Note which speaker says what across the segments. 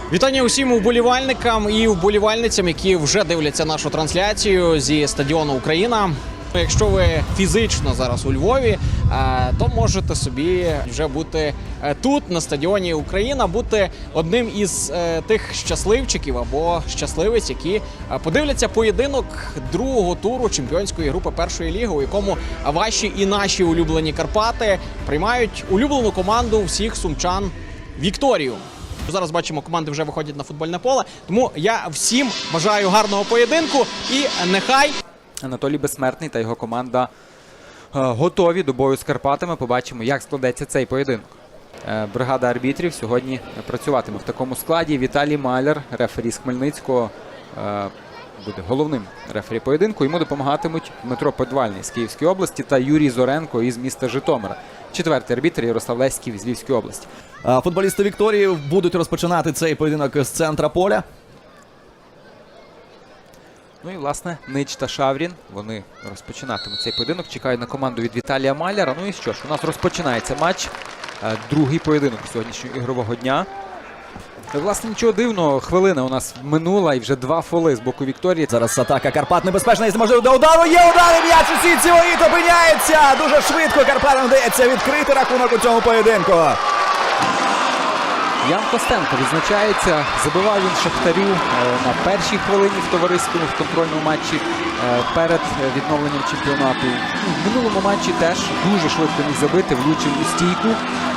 Speaker 1: Вітання усім вболівальникам і вболівальницям, які вже дивляться нашу трансляцію зі стадіону Україна. Якщо ви фізично зараз у Львові, то можете собі вже бути тут, на стадіоні Україна, бути одним із тих щасливчиків або щасливиць, які подивляться поєдинок другого туру чемпіонської групи першої ліги, у якому ваші і наші улюблені Карпати приймають улюблену команду всіх сумчан Вікторію. Зараз бачимо, команди вже виходять на футбольне поле, тому я всім бажаю гарного поєдинку і нехай
Speaker 2: Анатолій Безсмертний та його команда готові до бою з Карпатами. Побачимо, як складеться цей поєдинок. Бригада арбітрів сьогодні працюватиме в такому складі. Віталій Маляр, рефері з Хмельницького, буде головним рефері поєдинку. Йому допомагатимуть Дмитро Подвальний з Київської області та Юрій Зоренко із міста Житомира. Четвертий арбітр Ярослав Леськів з Львівської області.
Speaker 3: Футболісти Вікторії будуть розпочинати цей поєдинок з центра поля.
Speaker 2: Ну і, власне, Нич та Шаврін, вони розпочинатимуть цей поєдинок, чекають на команду від Віталія Маляра. Ну і що ж, у нас розпочинається матч, другий поєдинок сьогоднішнього ігрового дня. Власне, нічого дивного, хвилина у нас минула і вже два фоли з боку Вікторії.
Speaker 3: Зараз атака Карпат небезпечна, і можливо до удару. Є удар, і м'яч у сітці воріт опиняється. Дуже швидко Карпатам вдається відкрити рахунок у цьому поєдинку.
Speaker 2: Ян Костенко відзначається, забивав він Шахтарю на першій хвилині в товариському, в контрольному матчі перед відновленням чемпіонату. В минулому матчі теж дуже швидко міг забити, влучив у стійку.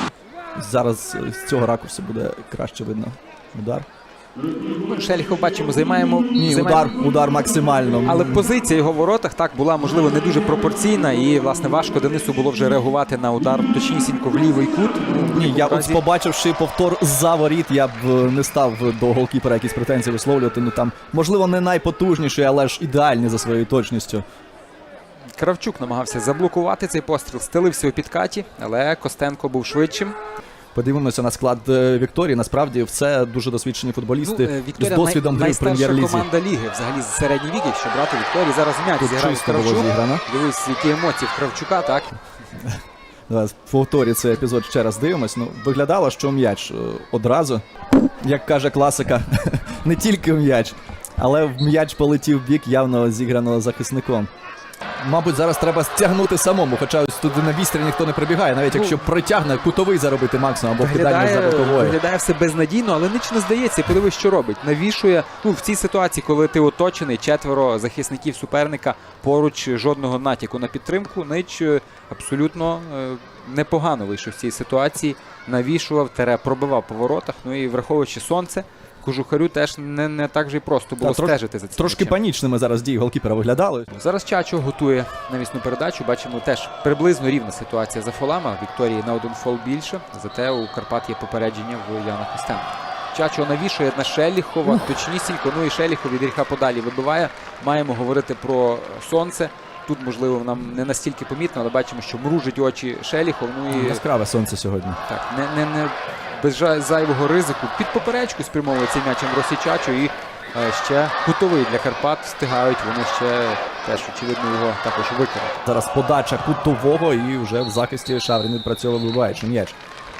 Speaker 3: Зараз з цього ракурсу буде краще видно удар.
Speaker 2: Шеліхов, бачимо, займаємо...
Speaker 3: Удар максимально.
Speaker 2: Але позиція його в воротах так була, можливо, не дуже пропорційна. І, власне, важко Денису було вже реагувати на удар точнісінько в лівий кут.
Speaker 3: Ні, я от побачивши повтор за воріт, я б не став до голкіпера якісь претензії висловлювати. Ну там, можливо, не найпотужніший, але ж ідеальний за своєю точністю.
Speaker 2: Кравчук намагався заблокувати цей постріл, стелився у підкаті, але Костенко був швидшим.
Speaker 3: Подивимося на склад Вікторії. Насправді, все дуже досвідчені футболісти з досвідом гри в прем'єр-лізі.
Speaker 2: Найстарша команда ліги, взагалі, з середніх віків, що брати Вікторії. Зараз м'яч зіграв Кравчук. Дивись, які емоції в Кравчука, так?
Speaker 3: Давай, повторі цей епізод ще раз дивимось. Ну, виглядало, що м'яч одразу, як каже класика, не тільки м'яч, але м'яч полетів в бік явно зіграного захисником. Мабуть, зараз треба стягнути самому, хоча ось туди на вістрі ніхто не прибігає, навіть якщо притягне, кутовий заробити максимум або кидання за боковою.
Speaker 2: Виглядає все безнадійно, але Нич не здається. Подивись, що робить. Навішує, в цій ситуації, коли ти оточений, четверо захисників суперника, поруч жодного натяку на підтримку, Нич абсолютно непогано вийшов з цієї ситуації, навішував, пробивав по воротах, ну і враховуючи сонце, Кожухарю теж не так же й просто було стежити за цим.
Speaker 3: Трошки панічними зараз дії голкіпера виглядали.
Speaker 2: Зараз Чачо готує навісну передачу. Бачимо, теж приблизно рівна ситуація за фолами. Вікторії на один фол більше. Зате у Карпат є попередження в Яна Костенка. Чачо навішує на Шеліхова, точнісінько. Ну і Шеліхов від гріха подалі вибиває. Маємо говорити про сонце. Тут, можливо, нам не настільки помітно, але бачимо, що мружить очі Шеліхов. Ну і
Speaker 3: яскраве сонце сьогодні.
Speaker 2: Так, не без зайвого ризику. Під поперечку спрямовує цей м'яч Амбросій Чачо і ще кутовий для Карпат встигають. Вони ще теж, очевидно, його також виконати.
Speaker 3: Зараз подача кутового і вже в захисті Шаврін відпрацьовує, вибиваючи м'яч.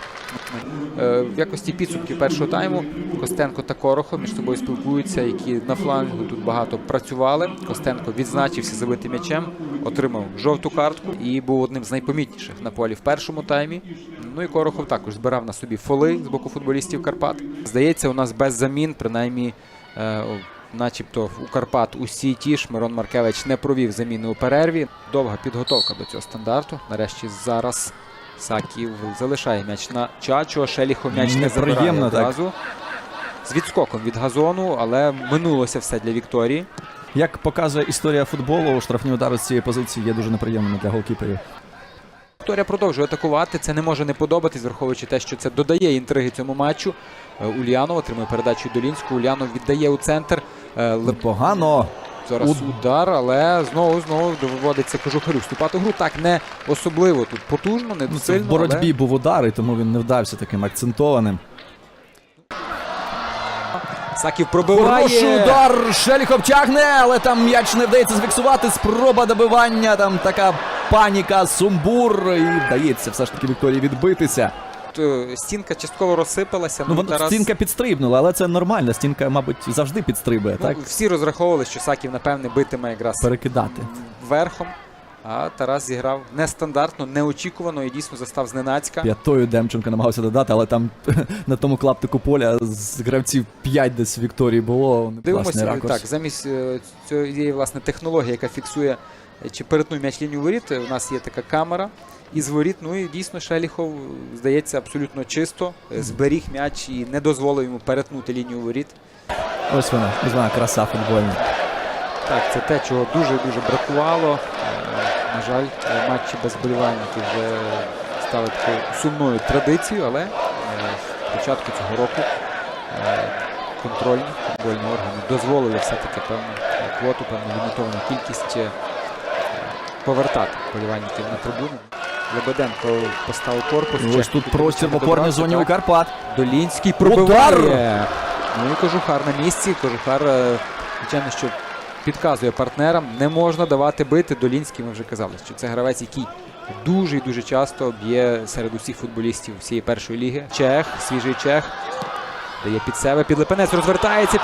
Speaker 2: В якості підсумків першого тайму Костенко та Корохов між собою спілкуються, які на флангу тут багато працювали. Костенко відзначився забитим м'ячем, отримав жовту картку і був одним з найпомітніших на полі в першому таймі. Ну і Корохов також збирав на собі фоли з боку футболістів Карпат. Здається, у нас без замін, принаймні, начебто у Карпат усі ті ж. Мирон Маркевич не провів заміни у перерві. Довга підготовка до цього стандарту. Нарешті зараз Саків залишає м'яч на Чачо, Шеліхов м'яч не забирає одразу. З відскоком від газону, але минулося все для Вікторії.
Speaker 3: Як показує історія футболу, штрафні удари з цієї позиції є дуже неприємними для голкіперів.
Speaker 2: Вікторія продовжує атакувати, це не може не подобатись, враховуючи те, що це додає інтриги цьому матчу. Ульянов отримує передачу Долінську, Ульянов віддає у центр.
Speaker 3: Непогано.
Speaker 2: Зараз удар, але знову доводиться Кожухарю вступати в гру. Так, не особливо тут потужно, не сильно.
Speaker 3: В боротьбі був удар, і тому він не вдався таким акцентованим.
Speaker 2: Саків пробиває.
Speaker 3: Хороший удар, Шеліхов тягне, але там м'яч не вдається зафіксувати. Спроба добивання, там така паніка, сумбур. І вдається все ж таки Вікторії відбитися.
Speaker 2: тут стінка частково розсипалася.
Speaker 3: Ну,
Speaker 2: Тарас...
Speaker 3: стінка підстрибнула, але це нормально. Стінка, мабуть, завжди підстрибує,
Speaker 2: Ну,
Speaker 3: так?
Speaker 2: всі розраховували, що Саків, напевне, битиме якраз
Speaker 3: Перекидати.
Speaker 2: верхом. А Тарас зіграв нестандартно, неочікувано і дійсно застав зненацька.
Speaker 3: П'ятою Демченко намагався додати, але там на тому клаптику поля з гравців 5 десь Вікторії було. Класний
Speaker 2: Дивимося,
Speaker 3: ракурс.
Speaker 2: так, замість цієї, власне, технології, яка фіксує, чи перетнув м'яч лінію воріт, у нас є така камера із воріт. Ну і дійсно Шеліхов, здається, абсолютно чисто зберіг м'яч і не дозволив йому перетнути лінію воріт.
Speaker 3: Ось вона краса футбольна.
Speaker 2: Так, це те, чого дуже-дуже бракувало. На жаль, матчі без вболівальників вже стали такою сумною традицією, але з початку цього року контрольні футбольні органи дозволили все-таки певну квоту, певну лімітовану кількість повертати вболівальників на трибуни. Лебеденко поставив корпус.
Speaker 3: Ось тут простір в опорній зоні у Карпат.
Speaker 2: Долінський пробиває. Ну і Кожухар на місці. Кожухар, звичайно, що підказує партнерам, не можна давати бити. Долінський, ми вже казали, що це гравець, який дуже і дуже часто б'є серед усіх футболістів всієї першої ліги. Чех, свіжий чех. Дає під себе, Підлепенець розвертається,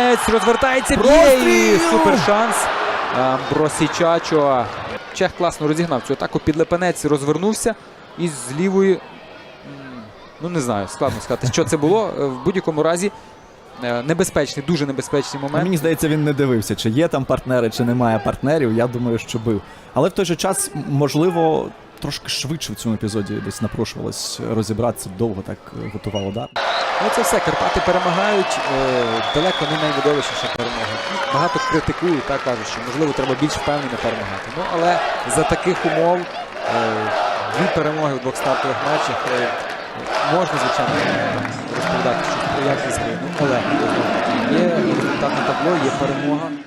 Speaker 2: б'є і супер шанс. Бросічачо. Чех класно розігнав цю атаку, Підлепенець розвернувся і з лівої, ну не знаю, складно сказати, що це було. В будь-якому разі небезпечний, дуже небезпечний момент.
Speaker 3: Мені здається, він не дивився, чи є там партнери, чи немає партнерів. Я думаю, що бив. Але в той же час, можливо, трошки швидше в цьому епізоді десь напрошувалось розібратися, довго так готував удар.
Speaker 2: Ну це все, Карпати перемагають, далеко не найвидовищніша перемога. Багато критикують, так кажуть, що можливо треба більш впевнено перемагати. Ну але за таких умов дві перемоги в двох стартових матчах можна, звичайно, розповідати, що якість гри. Ну але є результат на табло, є перемога.